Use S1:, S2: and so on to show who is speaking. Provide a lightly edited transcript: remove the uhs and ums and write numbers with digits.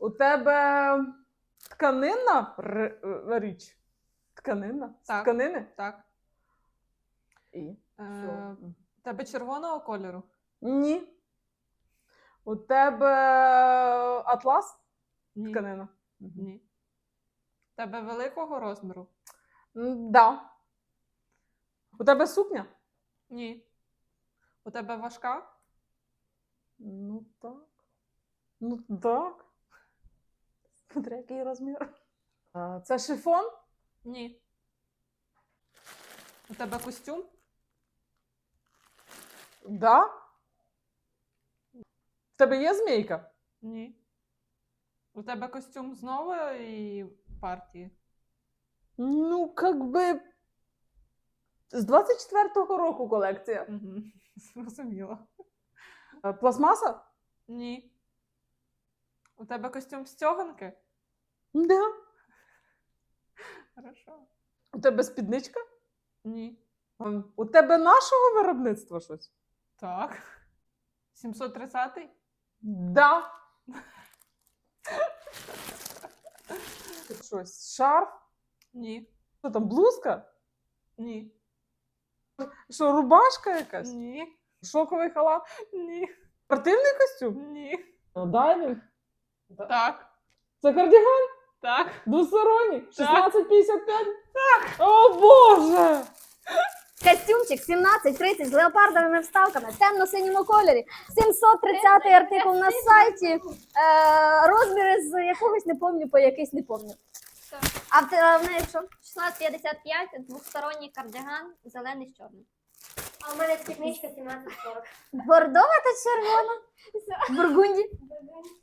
S1: У тебе тканинна річ? Тканинна? З
S2: Так.
S1: тканини?
S2: Так.
S1: І?
S2: У тебе червоного кольору?
S1: Ні. У тебе атлас?
S2: Ні.
S1: Тканина?
S2: Ні. У тебе великого розміру?
S1: Да. У тебе сукня?
S2: Ні. У тебе важка?
S1: Ну так. Ну так. Смотри, який розмір. Це шифон?
S2: Ні. У тебе костюм?
S1: Да. В тебе є змійка?
S2: Ні. У тебе костюм з нової партії?
S1: Ну, как би. З 24-го року колекція.
S2: Угу. Зрозуміло.
S1: Пластмаса?
S2: Ні. У тебе костюм стьоганки?
S1: Да.
S2: Хорошо.
S1: У тебе спідничка?
S2: Ні.
S1: У тебе нашого виробництва щось?
S2: Так. 730-й?
S1: Да. Щось. Шарф?
S2: Ні.
S1: Що там, блузка?
S2: Ні.
S1: Що, рубашка якась?
S2: Ні.
S1: Шоковий халат?
S2: Ні.
S1: Спортивний костюм?
S2: Ні.
S1: Дайвінг?
S2: Так.
S1: Це кардіган?
S2: Так.
S1: Двосторонній?
S2: Так.
S1: 1655? Так. О, Боже!
S3: Костюмчик 17-30 з леопардовими вставками в темно-синьому кольорі. 730 артикул на сайті. Розміри з якогось не помню, по якийсь не помню. А в неї що?
S4: 1655, двосторонній кардиган, зелений з чорним.
S5: А у мене спідничка 1740.
S3: Бордова та червона? Бургунді?